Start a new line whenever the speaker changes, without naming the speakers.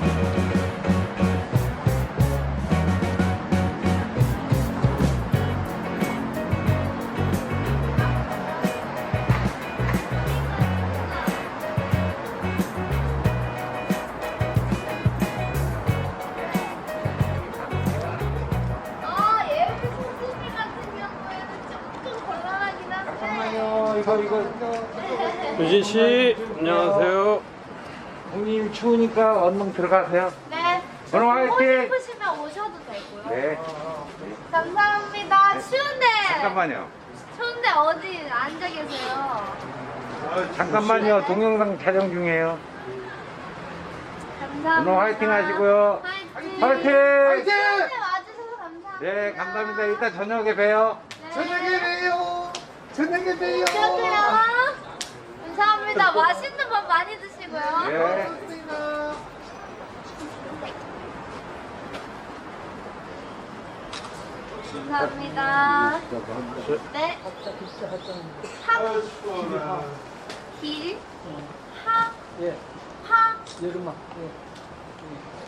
유진 씨, 안녕하세요.
형님 추우니까 얼른 들어가세요.
네.
오늘 화이팅!
오고 싶으시면 오셔도 되고요.
네.
감사합니다. 추운데.
잠깐만요.
추운데 어디 앉아 계세요?
잠깐만요. 동영상 촬영 중이에요.
감사합니다.
오늘 화이팅 하시고요.
화이팅.
화이팅!
네, 와주셔서 감사합니다.
네, 감사합니다. 이따 저녁에 봬요.
네.
저녁에 봬요. 저녁에 봬요.
안녕하세요. 감사합니다. 맛있는 밥 많이 드시고요.
네.
고맙습니다.
감사합니다. 네. 길, 하,
예.
파,
여름아. 예.